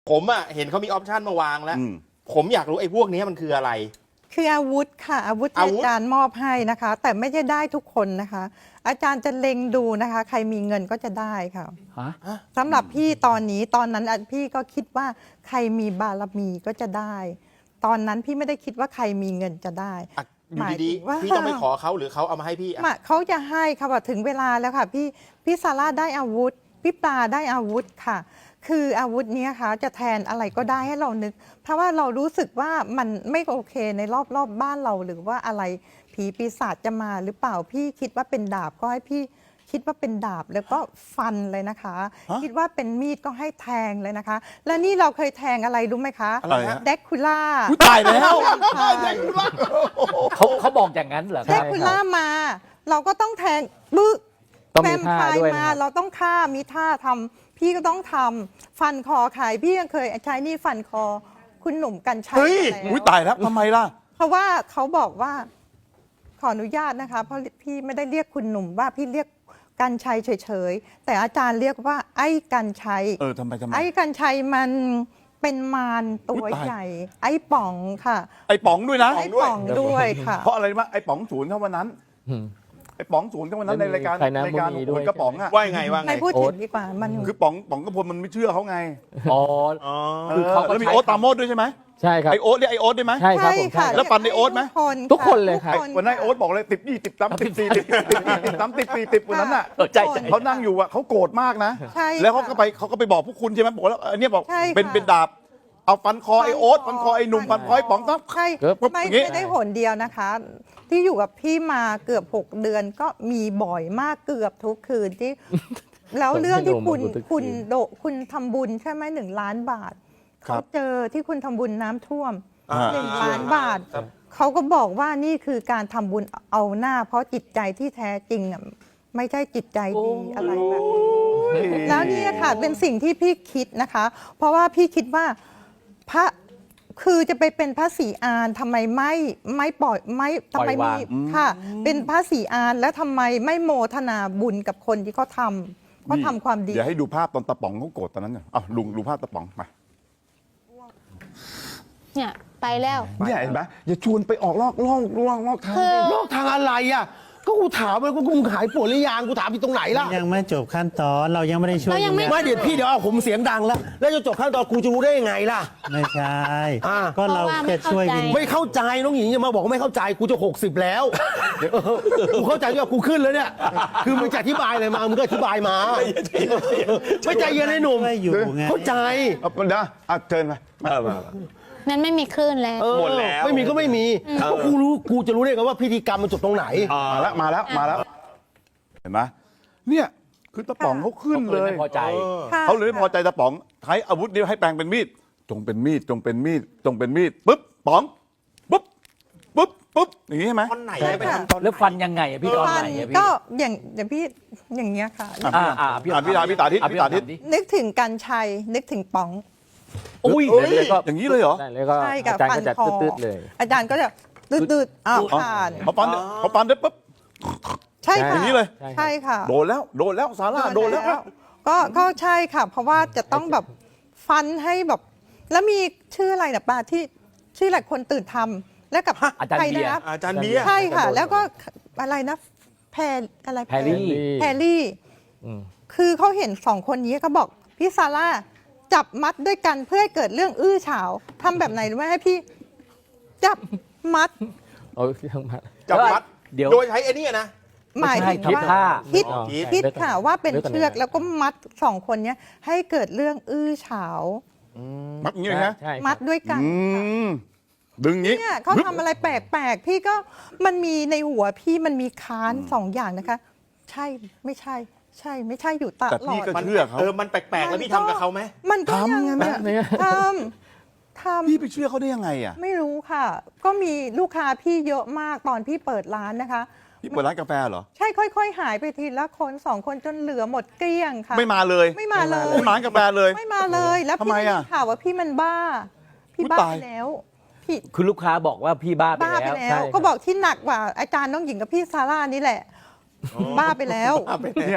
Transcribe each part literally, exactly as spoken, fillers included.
ผมอะเห็นเขามีออปชันมาวางแล้วผมอยากรู้ไอ้พวกนี้มันคืออะไรคืออาวุธค่ะอาวุธที่อาจารย์มอบให้นะคะ แต่ไม่ได้ได้ทุกคนนะคะ อาจารย์จะเล็งดูนะคะ ใครมีเงินก็จะได้ค่ะสำหรับพี่ตอนนี้ตอนนั้นพี่ก็คิดว่าใครมีบารมีก็จะได้ ตอนนั้นพี่ไม่ได้คิดว่าใครมีเงินจะได้อยู่ดีๆพี่ต้องไปขอเขาหรือเขาเอามาให้พี่อะเขาจะให้ค่ะว่าถึงเวลาแล้วค่ะพี่พี่ซาร่าได้อาวุธพี่ปลาได้อาวุธค่ะคืออาวุธนี้ค่ะจะแทนอะไรก็ได้ให้เรานึกเพราะว่าเรารู้สึกว่ามันไม่โอเคในรอบรอบบ้านเราหรือว่าอะไรผีปีศาจจะมาหรือเปล่าพี่คิดว่าเป็นดาบก็ให้พี่คิดว่าเป็นดาบแล้วก็ฟันเลยนะคะคิดว่าเป็นมีดก็ให้แทงเลยนะคะและนี่เราเคยแทงอะไรรู้ไหมคะเด็กคูล่าตายแล้วเขาเขาบอกอย่างนั้นเหรอเด็กคูล่ามาเราก็ต้องแทงบึ้แวมไพร์มาเราต้องฆ่ามีท่าทำพี่ก็ต้องทำฟันคอขายพี่ยังเคยใช้นี่ฟันคอคุณหนุ่มกัญชัยเฮ้ยอุ้ยตายแล้วทำไมล่ะเพราะว่าเขาบอกว่าขออนุญาตนะคะเพราะพี่ไม่ได้เรียกคุณหนุ่มว่าพี่เรียกกัญชัยเฉยๆแต่อาจารย์เรียกว่าไอ้กัญชัยเออทำไมทำไมไอ้กัญชัยมันเป็นมารตัวใหญ่ไอ้ป๋องค่ะไอ้ป๋องด้วยนะไอ้ป๋องด้วยค่ะเพราะอะไรมาไอ้ป๋องศูนย์เท่าวันนั้นไอ้ป๋องศูนย์เท่าวันนั้นในรายการรายการโอนกระป๋องอะว่าไงว่าไงไม่พูดถึงดีกว่ามันคือป๋องป๋องกระพลมันไม่เชื่อเขาไงอ๋อคือเขาแล้วมีโอ๊ตตามโมดด้วยใช่ไหมใช่ครับไอโอ๊ตเรียกไอโอ๊ตได้ไหมใช่ครับผมแล้วปันไอโอ๊ตไหมทุกคนเลยครับวันนั้นไอโอ๊ตบอกเลยติดยี่ติดสามติดสี่ติดติดสามติดสี่ติดวันนั้นอ่ะเขานั่งอยู่อ่ะเขาโกรธมากนะแล้วเขาก็ไปเขาก็ไปบอกพวกคุณใช่ไหมบอกแล้วอันนี้บอกเป็นเป็นดาบเอาฟันคอไอโอ๊ตฟันคอไอหนุ่มฟันคอไอป๋องต้องใช่ไม่ไม่ได้หนเดียวนะคะที่อยู่กับพี่มาเกือบหกเดือนก็มีบ่อยมากเกือบทุกคืนที่แล้วเรื่องที่คุณคุณโดคุณทำบุญใช่ไหมหนึ่งล้านบาทเขาเจอที่คุณทำบุญน้ำท่วมหนึ่งล้านบาทเขาก็บอกว่านี่คือการทำบุญเอาหน้าเพราะจิตใจที่แท้จริงอ่ะไม่ใช่จิตใจดีอะไรแบบแล้วนี่ค่ะเป็นสิ่งที่พี่คิดนะคะ เพราะว่าพี่คิดว่าพระคือจะไปเป็นพระศรีอานทำไมไม่ไม่ปล่อยไม่ทำไมมีค่ะเป็นพระศรีอานแล้วทำไมไม่โมทนาบุญกับคนที่เขาทำเขาทำความดีเดี๋ยวให้ดูภาพตอนตะป๋องเขาโกรธตอนนั้นอ่ะลุงดูภาพตะป๋องมาเนี่ยไปแล้วเนี่ยเห็นไหมอย่าชวนไปออกลอกลอกลอกลอกทางลอกทางอะไรอ่ะก็กูถามเลยกูหายปวดหรือยังกูถามอยู่ตรงไหนล่ะยังไม่จบขั้นตอนเรายังไม่ได้ช่วยไม่เดี๋ยวพี่เดี๋ยวเอาผมเสียงดังแล้วแล้วจะจบขั้นตอนกูจะรู้ได้ยังไงล่ะไม่ใช่ก็เราแค่ช่วยวินไม่เข้าใจน้องหญิงอย่ามาบอกว่าไม่เข้าใจกูจะหกสิบแล้วกูเข้าใจว่ากูขึ้นแล้วเนี่ยคือมึงจะอธิบายอะไรมามึงก็อธิบายมาไม่ใจเย็นเลยหนุ่มเข้าใจเอาเดี๋ยวอ่ะเชิญมานั้นไม่มีคลื่นแล้วหมดแล้วไม่มีก็ไม่มีกูรู้กูจะรู้ได้ไงว่าพิธีกรรมมันจบตรงไหนมาแล้วมาแล้วมาแล้วเห็นไหมเนี่ยคือตะป๋องเขาขึ้นเลยไม่พอใจเขาเลยไม่พอใจตะป๋องใช้อาวุธนี้ให้แปลงเป็นมีดจงเป็นมีดจงเป็นมีดจงเป็นมีดปุ๊บป๋องปุ๊บปุ๊บปุ๊บอย่างนี้ใช่ไหมตอนไหนไปทำตอนแล้วฟันยังไงอะพี่ตอนไหนอะพี่ก็อย่างอย่างพี่อย่างเงี้ยค่ะอ่าอ่าพี่ตาพี่ตาพี่ตาทิศพี่ตาทิศนึกถึงกัญชัยนึกถึงป๋องอุ้ยอย่างนี้เลยเหรอใช่กับฟันคออาจารย์ก็จะตืดๆอ้าวผ่านเขาปันเขาปันได้ปุ๊บใช่ค่ะอย่างนี้เลยใช่ค่ะโดนแล้วโดนแล้วซาร่าโดนแล้วก็ก็ใช่ค่ะเพราะว่าจะต้องแบบฟันให้แบบแล้วมีชื่ออะไรนะป้าที่ชื่อหลายคนตื่นทำแล้วกับอาจารย์เบียร์อาจารย์เบียร์ใช่ค่ะแล้วก็อะไรนะแพรอะไรแพรรี่แพรรี่คือเขาเห็นสองคนนี้เขาบอกพี่ซาร่าจับมัดด้วยกันเพื่อให้เกิดเรื่องอื้อฉาวทำแบบไหนรู้ไหมให้พี่จับมัดเอาทั้งมัดจับมัดเดี๋ยวโดยใช้ไอ้นี่นะหมายถึงว่าคิดคิดค่ะว่าเป็นเชือกแล้วก็มัดสองคนนี้ให้เกิดเรื่องอื้อฉาวมัดอย่างนี้นะมัดด้วยกันดึงนี้เนี่ยเขาทำอะไรแปลกๆพี่ก็มันมีในหัวพี่มันมีค้านสองอย่างนะคะใช่ไม่ใช่ใช่ไม่ใช่อยู่ตลอดแต่พี่ก็เชื่อเขาเออมันแปลกๆแล้วพี่ทำกับเขาไหมมันทำไงเนี่ยทำทำพี่ไปเชื่อเขาได้ยังไงอ่ะไม่รู้ค่ะก็มีลูกค้าพี่เยอะมากตอนพี่เปิดร้านนะคะพี่เปิดร้านกาแฟเหรอใช่ค่อยๆหายไปทีละคนสองคนจนเหลือหมดเกลี้ยงค่ะไม่มาเลยไม่มาเลยไม่มาร้านกาแฟเลยไม่มาเลยแล้วพี่ได้ข่าวว่าพี่มันบ้าพี่บ้าไปแล้วพี่คือลูกค้าบอกว่าพี่บ้าไปแล้วก็บอกที่หนักกว่าอาจารย์น้องหญิงกับพี่ซาร่านี่แหละบ้าไปแล้วเนี่ย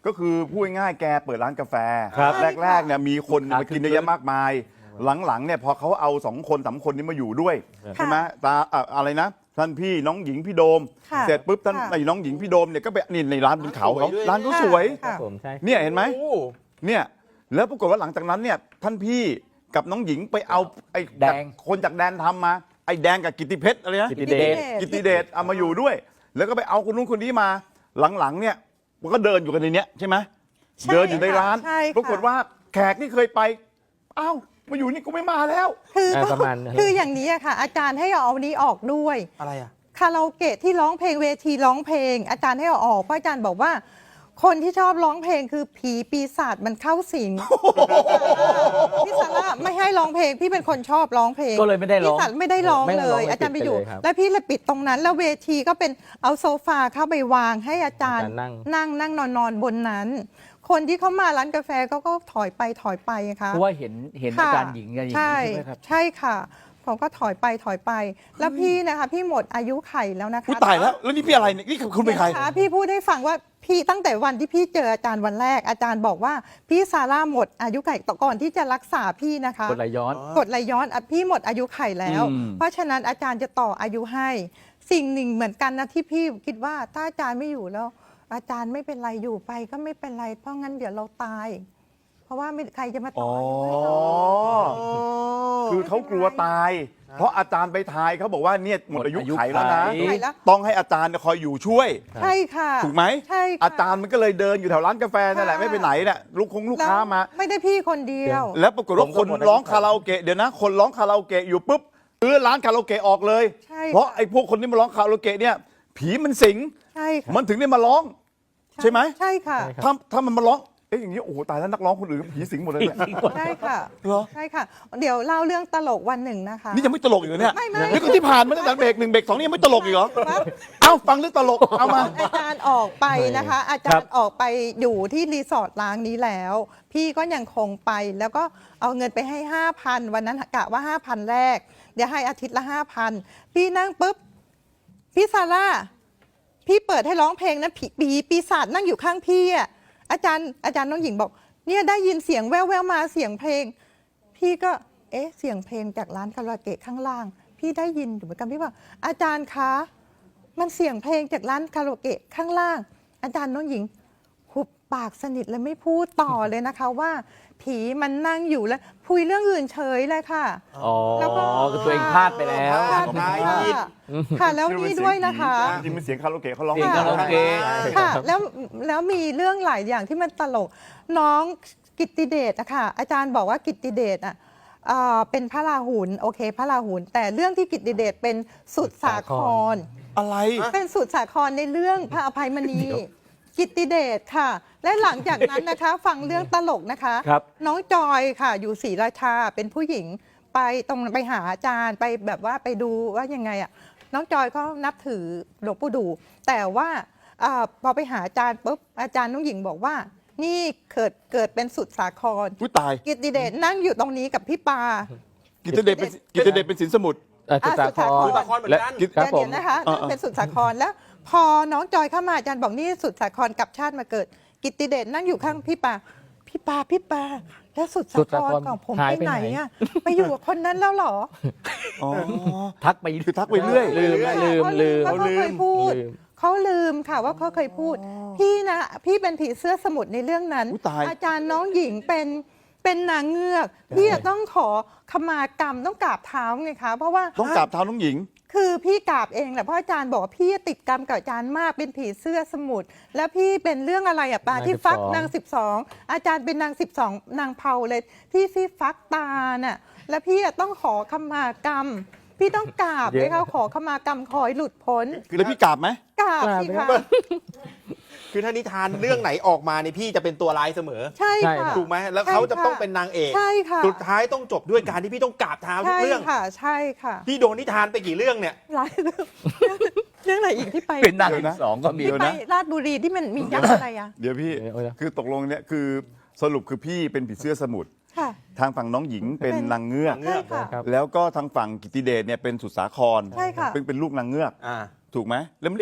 ก็คือพูดง่ายๆแกเปิดร้านกาแฟครับแรกๆเนี่ยมีคนมากินเยอะแยะมากมาย หลังๆเนี่ยพอเขาเอาสองคนสามคนนี้มาอยู่ด้วยใช่ไหมตาอ่ะอะไรนะท่านพี่น้องหญิงพี่โดมค่ะเสร็จปุ๊บท่านค่ะไอ้น้องหญิงพี่โดมเนี่ยก็ไปนี่ในร้านบนเขาเขาสวยด้วยร้านเขาสวยค่ะผมใช่เนี่ยเห็นไหมโอ้เนี่ยแล้วปรากฏว่าหลังจากนั้นเนี่ยท่านพี่กับน้องหญิงไปเอาไอ้แดงคนจากแดนทำมาไอ้แดงกับกิตติเพชรอะไรนะกิตติเดชกิตติเดชเอามาอยู่ด้วย แล้วก็ไปเอาคนนู้นคนนี้มาหลังๆเนี่ยมันก็เดินอยู่กันในเนี้ยใช่ไหมใช่เดินอยู่ในร้านใช่ค่ะปรากฏว่าแขกที่เคยไปอ้าวมาอยู่นี่กูไม่มาแล้วคืออ่าประมาณนั้นคืออย่างนี้อะค่ะ อาจารย์ให้เอาอันนี้ออกด้วยอะไรอ่ะคาราโอเกะที่ร้องเพลงเวทีร้องเพลง อาจารย์ให้เอาออกเพราะอาจารย์บอกว่า คนที่ชอบร้องเพลงคือผีปีศาจมันเข้าสิงพี่ซาร่าไม่ให้ร้องเพลงพี่เป็นคนชอบร้องเพลงก็เลยไม่ได้ร้องพี่ซาไม่ได้ร้องไม่ได้เลร้องยเลยอาจารย์ไปอยู่ปิดไปเลยครับแล้วพี่เลยปิดตรงนั้น แล้วเวทีก็เป็นเอาโซฟาเข้าไปวางให้อาจารย์อาจารย์นั่งนั่งนั่งนอนนอนบนนั้น คนที่เข้ามาร้านกาแฟเขาก็ถอยไปถอยไปค่ะเพราะว่าเห็นเห็นอาค่ะจารย์หญิงกันอย่างใช่นี้ใช่ไหมครับใช่ค่ะผมก็ถอยไปถอยไป แล้วพี่นะคะพี่หมดอายุไขแล้วนะคะอุ้ยตายแล้วแล้วนี่พี่อะไรเนี่ยนี่คุณเป็นใครดี๋ยวะพี่พูดให้ฟังว่าพี่ตั้งแต่วันที่พี่เจออาจารย์วันแรก อาจารย์บอกว่าพี่ซาร่าหมดอายุไขต่อก่อนที่จะรักษาพี่นะคะกดไหลย้อนกดไหลย้อนอ่ะพี่หมดอายุไขแล้วอืมเพราะฉะนั้นอาจารย์จะต่ออายุให้ สิ่งหนึ่งเหมือนกันนะที่พี่คิดว่าถ้าอาจารย์ไม่อยู่แล้ว อาจารย์ไม่เป็นไรอยู่ไปก็ไม่เป็นไร เพราะงั้นเดี๋ยวเราตาย เพราะว่าไม่ใครจะมาต่ออายุให้เราคือเขากลัวตาย เพราะอาจารย์ไปทายเขาบอกว่าเนี่ยหมดอายุไขแล้วนะหมดอายุไขต้องให้อาจารย์คอยอยู่ช่วยใช่ค่ะถูกไหมใช่ค่ะอาจารย์มันก็เลยเดินอยู่แถวร้านกาแฟนั่นแหละค่ะไม่ไปไหนเนี่ยลูกคงลูกค้ามาแล้วไม่ได้พี่คนเดียวแล้วปรากฏว่าผมคก็นหมดอายุร้องคาราโอเกะเดี๋ยวนะ คนร้องคาราโอเกะอยู่ปุ๊บเออร้านคาราโอเกะออกเลยใช่เพราะค่ะไอ้พวกคนที่มาร้องคาราโอเกะเนี่ยผีมันสิงใช่ค่ะมันถึงได้มาร้อง ใช่ไหมใช่ค่ะใช่ถ้าถ้ามันมาร้องเอ๊ะอย่างนี้โอ้โหตายแล้วนักร้องคนอื่นผีสิงหมดเลยเนี่ยใช่ค่ะเหรอใช่ค่ะ เดี๋ยวเล่าเรื่องตลกวันหนึ่งนะคะนี่ยังไม่ตลกอีกเหรอเนี่ยไม่ไม่นี่ก็ที่ผ่านมาตั้งแต่เบรกหนึ่งเบรกสองนี่ยังไม่ตลกอีกเหรอครับเอ้าฟังเรื่องตลกเอามาอาจารย์ออกไปนะคะ อาจารย์ออกไปอยู่ที่รีสอร์ทล้างนี้แล้ว พี่ก็ยังคงไปแล้วก็เอาเงินไปให้ห้าพันวันนั้นกะว่าห้าพันแรก เดี๋ยวให้อาทิตย์ละห้าพันพี่นั่งปุ๊บพี่ซาร่าพี่เปิดให้ร้องเพลงนะผีปีปีศาจนั่งอยู่ข้างพี่อ่ะอาจารย์อาจารย์น้องหญิงบอกเนี่ยได้ยินเสียงแว่วๆมาเสียงเพลง พี่ก็เอ๊ะเสียงเพลงจากร้านคาราโอเกะข้างล่าง พี่ได้ยินอยู่เหมือนกันพี่ว่าอาจารย์คะมันเสียงเพลงจากร้านคาราโอเกะข้างล่าง อาจารย์น้องหญิงหุบปากสนิทเลยไม่พูดต่อเลยนะคะว่า ผีมันนั่งอยู่แล้วคุยเรื่องอื่นเฉยเลยค่ะอ๋อแล้วก็คือตัวเองพลาดไปแล้วค่ะได้ค่ะยินค่ะแล้วนี่ด้วยนะคะจริงๆมันเสียงคาราโอเกะเขาร้องเสียงคาราโอเกะค่ะแล้วแล้วมีเรื่องหลายอย่างที่มันตลก น้องกิตติเดชอะค่ะอาจารย์บอกว่ากิตติเดชอะเอ่อเป็นพระราหุลโอเค พระราหุลแต่เรื่องที่กิตติเดชเป็นสุดสาครอะไรเป็นสุดสาครในเรื่องพระอภัยมณีกิตติเดชค่ะ และหลังจากนั้นนะคะ ฟังเรื่องตลกนะคะครับน้องจอยค่ะ อยู่ศรีราชาเป็นผู้หญิงไปตรงไปหาอาจารย์ไปแบบว่าไปดูว่ายังไงอ่ะน้องจอยเขานับถือหลวงปู่ดู แต่ว่าอาพอไปหาอาจารย์ปุ๊บอาจารย์น้องหญิงบอกว่า นี่เกิดเกิดเป็นสุดสาครอุ้ยตายกิตติเดชนั่งอยู่ตรงนี้กับพี่ปากิตติเดชเป็นกิตติเดชเป็นสินสมุทรอ่ะจุฬาภอ่ะรจุณ์ฬาภรณ์เหมือนกันและครับเดี๋ยวผเดี๋มยวนะคะเออนั่นเป็นสุดสาครแล้ว พอน้องจอยเข้ามาอาจารย์บอกนี่สุดสาครกลับชาติมาเกิด กิตติเดชนั่งอยู่ข้างพี่ปาพี่ปาพี่ปาแล้วสุดสาสุดคสาร ครของผมหายไปไปไหนไหนอะไปอยู่กับคนนั้นแล้วเหรออ๋อทักไปคือทักไปเรื่อยลืมนะลืมลืมเขาเขาเคยพูดลืมเขาลืมค่ะว่าเขาเคยพูด พี่นะพี่เป็นผีเสื้อสมุทรในเรื่องนั้นอุ๊ยตายอาจารย์น้องหญิงเป็นเป็นนางเงือกพี่จะต้องขอขมากรรมต้องกราบเท้าไงคะเพราะว่าต้องกราบเท้าน้องหญิงคือพี่กราบเองแหละเพราะอาจารย์บอกว่าพี่ติดกรรมกับอาจารย์มากเป็นผีเสื้อสมุทรแล้วพี่เป็นเรื่องอะไรอะปานางที่ฟักสิบสองนางสิบสองอาจารย์เป็นนางสิบสองนางเผาเลยที่ที่ฟักตาน่ะแล้วพี่อะต้องขอขมากรรม พี่ต้องกราบเลยเขาขอขมากรรมขอให้หลุดพ้นคือแล้วพี่กราบไหมกราบสิคะคือถ้านิทานเรื่องไหนออกมาเนี่ยพี่จะเป็นตัวร้ายเสมอใช่ใช่ค่ะถูกไหมแล้วเขาจะใช่ค่ะต้องเป็นนางเอกใช่ค่ะสุดท้ายต้องจบด้วยการที่พี่ต้องกราบเท้าทุกใช่เรื่องค่ะใช่ค่ะพี่โดนนิทานไปกี่เรื่องเนี่ยหลายเรื่องเรื่องไหนอีกที่ไปเป็นนางเดี๋ยวนะสองก็มีที่ไปราชบุรีที่มันมียักษ์อะไรอะเดี๋ยวพี่เดี๋ยวเดี๋ยวคือตกลงเนี่ยคือสรุปคือพี่เป็นผีเสื้อสมุทรค่ะทางฝั่งน้องหญิงเป็นเป็นนางเงือกใช่ค่ะครับแล้วก็ทางฝั่งกิตติเดชเนี่ยเป็นสุดสาครใช่ค่ะเป็นเป็นลูกนางเงือกอ่าถูกไหมแล้วมันเรียกแม่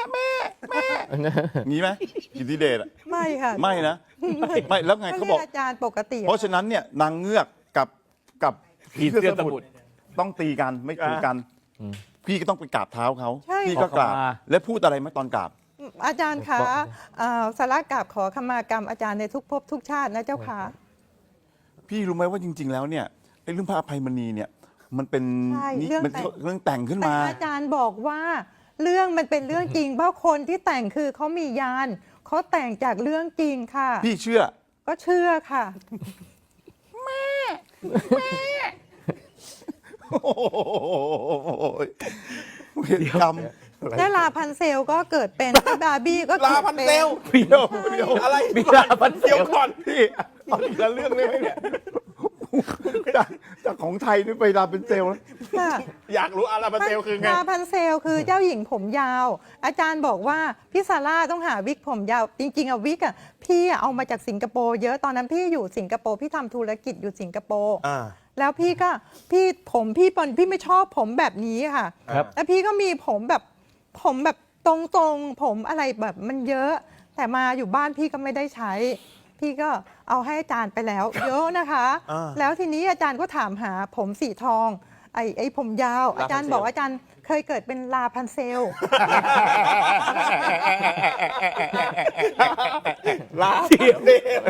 แม่แม่งี้ไหมอิทธิเดชอะไม่ค่ะไม่นะไม่แล้วไงเขาบอกรียอาจารย์ปกติเพราะฉะนั้นเนี่ยนางเงือกกับกับผีเสื้อสมุทรต้องตีกันไม่คุยกัน พี่ก็ต้องไปกราบเท้าเขาใช่พี่ก็กราบขอขมาและพูดอะไรไหมตอนกราบอาจารย์คะเอ่อสาระกราบขอขมากรรมอาจารย์ในทุกภพทุกชาตินะเจ้าค่ะพี่รู้ไหมว่าจริง ๆ แล้วเนี่ยไอ้เรื่องพระอภัยมณีเนี่ยมันเป็นใช่นี่เรื่องมันแต่งเรื่องแต่งขึ้นแต่มาอาจารย์บอกว่าเรื่องมันเป็นเรื่องจริง เพราะคนที่แต่งคือเขามียานเขาแต่งจากเรื่องจริงค่ะพี่เชื่อก็เชื่อค่ะโอ้โหเวรกรรมแล้วลาพันเซลก็เกิดเป็นบาร์บี้ก็กิดลาพันเซลป็เดี๋ยวเดี๋ยวอะไรมีลาพันเซลเดี๋ยวก่อนพี่เอาอีกแล้วเรื่องได้ไหมเนี่ยจากจากของไทยนี่ไปลาเป็นเซลล์ค่ะอยากรู้อาลาพันเซลคือไงลาพันเซลคือเจ้าหญิงผมยาว อาจารย์บอกว่าพี่ซาร่าต้องหาวิกผมยาว จริง ๆอะวิกอะพี่อะเอามาจากสิงคโปร์เยอะตอนนั้นพี่อยู่สิงคโปร์พี่ทำธุรกิจอยู่สิงคโปร์อ่าแล้วพี่ก็พี่ผมพี่ปนพี่ไม่ชอบผมแบบนี้ค่ะครับแล้วพี่ก็มีผมแบบผมแบบตรงๆผมอะไรแบบมันเยอะ แต่มาอยู่บ้านพี่ก็ไม่ได้ใช้ พี่ก็เอาให้อาจารย์ไปแล้ว เยอะนะคะอ่าแล้วทีนี้อาจารย์ก็ถามหาผมสีทอง ไอ้ไอ้ผมยาวลาพันเซลอาจารย์บอกอาจารย์เคยเกิดเป็นลาพันเซลลาพันเซล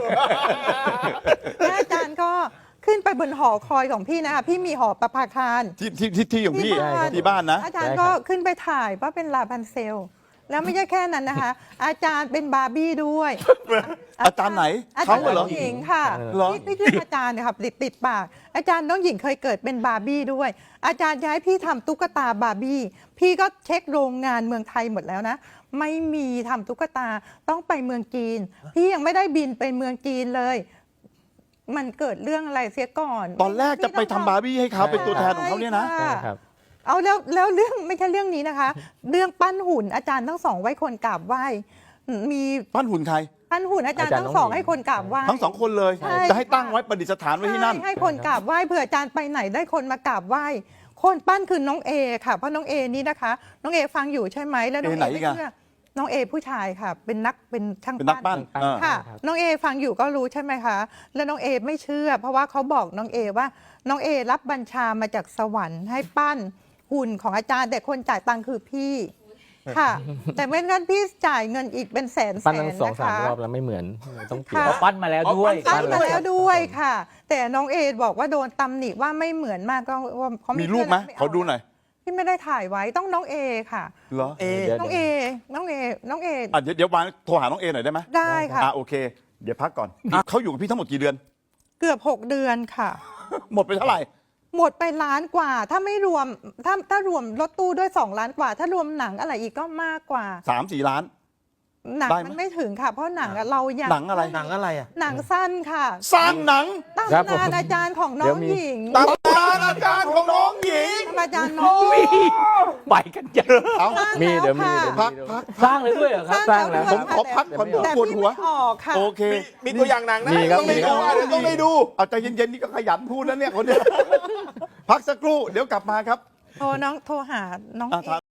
แล้วอาจารย์ก็ขึ้นไปบนหอคอยของพี่นะคะพี่มีหอประภาคารที่ที่ที่ที่ของพี่ที่บ้านที่บ้านนะอาจารย์ก็ขึ้นไปถ่ายว่าเป็นลาพันเซล แล้วไม่ใช่แค่นั้นนะคะ อาจารย์เป็นบาร์บี้ด้วยอาจารย์ไหนอาจาเขารย์เหรอน้องหญิงค่ะเหรอพี่พี่เรียกอาจารย์เนี่ยค่ะติดติดปาก อาจารย์น้องหญิงเคยเกิดเป็นบาร์บี้ด้วย อาจารย์จะให้พี่ทำตุ๊กตาบาร์บี้พี่ก็เช็คโรงงานเมืองไทยหมดแล้วนะ ไม่มีทำตุ๊กตาต้องไปเมืองจีน พี่ยังไม่ได้บินไปเมืองจีนเลย มันเกิดเรื่องอะไรเสียก่อนตอนแรกจะไปทำบาร์บี้ให้เขาเป็นตัวแทนของเขาเนี่ยนะใช่ใช่ค่ะครับเอาแล้วแล้วเรื่องไม่ใช่เรื่องนี้นะคะ เรื่องปั้นหุ่นอาจารย์ทั้งสองไว้คนกราบไหว้มีปั้นหุ่นใครปั้นหุ่นอาจารย์อาจารย์ทั้งสองน้องหญิงให้คนกราบไหว้ทั้งสองคนเลยใช่จะให้ตั้งไว้ประดิษฐานไว้ที่นั่นใช่ให้คนกราบไหว้เผื่ออาจารย์ไปไหนได้คนมากราบไหว้ คนปั้นคือน้องเอค่ะเพราะน้องเอนี่นะคะ น้องเอฟังอยู่ใช่ไหมแล้วน้องเอไหนเออีไม่กอะเชื่อน้องเอผู้ชายค่ะ เป็นนักเป็นช่างเป็นนักปั้นปั้นเออค่ะครับน้องเอฟังอยู่ก็รู้ใช่ไหมคะ แล้วน้องเอไม่เชื่อ เพราะว่าเขาบอกน้องเอว่า น้องเอรับบัญชามาจากสวรรค์ให้ปั้นหุ่นของอาจารย์ แต่คนจ่ายตังค์คือพี่ ค่ะ แต่ไม่งั้นพี่จ่ายเงินอีกเป็นแสนแสปั้นนทั้งสองนะสามคะรอบแล้วไม่เหมือนต้องเปลี่ยนค่ะเอาปั้นมาแล้วด้วยปั้นมาแล้วด้วยครับค่ะ แต่น้องเอบอกว่าโดนตำหนิว่าไม่เหมือนมากก็ว่าเขามีมีรูปไหมขอดูหน่อยพี่ไม่ได้ถ่ายไว้ต้องน้องเอค่ะเหรอเอเดี๋ยวน้องเอ น้องเอ น้องเออ่ะเดี๋ยวเดี๋ยววางโทรหาน้องเอหน่อยได้ไหมได้ค่ะอ่ะโอเค เดี๋ยวพักก่อนเขาอยู่กับพี่ทั้งหมดกี่เดือนเกือบหกเดือนค่ะหมดไปเท่าไหร่หมดไปล้านกว่า ถ้าไม่รวม ถ้าถ้ารวมรถตู้ด้วยสองล้านกว่า ถ้ารวมหนังอะไรอีกก็มากกว่าสามสี่ล้านหนังได้ไหมมันไม่ถึงค่ะ เพราะหนังอะเรายังหนังอะไรหนังอะไรอ่ะหนังสั้นค่ะสร้างหนังตำครับผมนานอาจารย์ของน้เดี๋อยวงมีหญิงตำนานอาจารย์ของน้องหญิงอาจารย์น้องหญิงไปกันเยอะเอามีเดี๋ยวมีสร้างเดี๋ยวพักมีพักสร้างเลยด้วยเหรอครับสสร้าร้าง งแล้แล้ว วผมขอพักก่อนผมแต่ปวดพี่หัวไม่ออกค่ะโอเคมีตัวอย่างหนังนะมีครับต้องได้ดูอ่ะเดี๋ยวต้องได้ดูเอาใจเย็นๆนี่ก็ขยันพูดนะเนี่ยคนเนี้ยพักสักครู่เดี๋ยวกลับมาครับโทรน้องโทรหาน้องอ่ะเอถาม